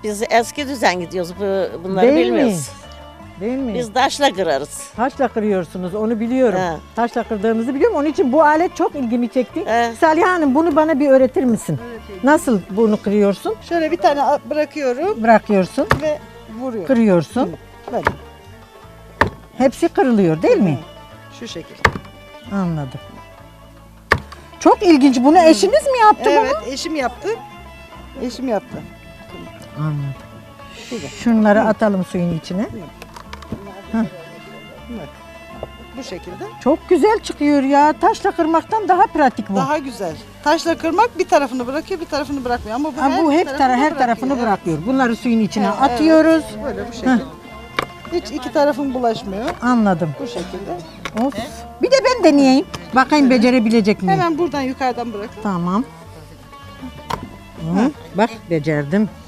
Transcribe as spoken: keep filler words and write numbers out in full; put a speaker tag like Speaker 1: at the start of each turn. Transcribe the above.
Speaker 1: Biz eski düzen gidiyoruz. Bu, bunları
Speaker 2: Değil mi?
Speaker 1: bilmiyoruz.
Speaker 2: Değil mi?
Speaker 1: Biz taşla kırarız.
Speaker 2: Taşla kırıyorsunuz, onu biliyorum.
Speaker 1: He.
Speaker 2: Taşla kırdığınızı biliyorum. Onun için bu alet çok ilgimi çekti.
Speaker 1: He.
Speaker 2: Saliha Hanım, bunu bana bir öğretir misin? Nasıl bunu kırıyorsun?
Speaker 3: Şöyle bir tane a- bırakıyorum
Speaker 2: Bırakıyorsun,
Speaker 3: ve vuruyorum.
Speaker 2: kırıyorsun.
Speaker 3: Böyle.
Speaker 2: Hepsi kırılıyor değil mi?
Speaker 3: Şu şekilde.
Speaker 2: Anladım. Çok ilginç. Bunu eşiniz mi yaptı
Speaker 3: Evet, eşim yaptı. Eşim yaptı.
Speaker 2: bunu? Anladım. Şunları atalım suyun içine.
Speaker 3: Bu şekilde.
Speaker 2: Çok güzel çıkıyor ya. Taşla kırmaktan daha pratik bu.
Speaker 3: Daha güzel. Taşla kırmak bir tarafını bırakıyor, bir tarafını bırakmıyor. Ama bu,
Speaker 2: Ha, bu hep tara
Speaker 3: tarafını
Speaker 2: her tarafını
Speaker 3: bırakıyor.
Speaker 2: bırakıyor. Bunları suyun içine
Speaker 3: Evet,
Speaker 2: atıyoruz.
Speaker 3: evet. Böyle bu şekilde. Hiç iki tarafın bulaşmıyor.
Speaker 2: Anladım.
Speaker 3: Bu şekilde.
Speaker 2: Of. Bir de ben deneyeyim. Bakayım becerebilecek miyim?
Speaker 3: Hemen buradan yukarıdan bırakın.
Speaker 2: Tamam. Hı, bak becerdim.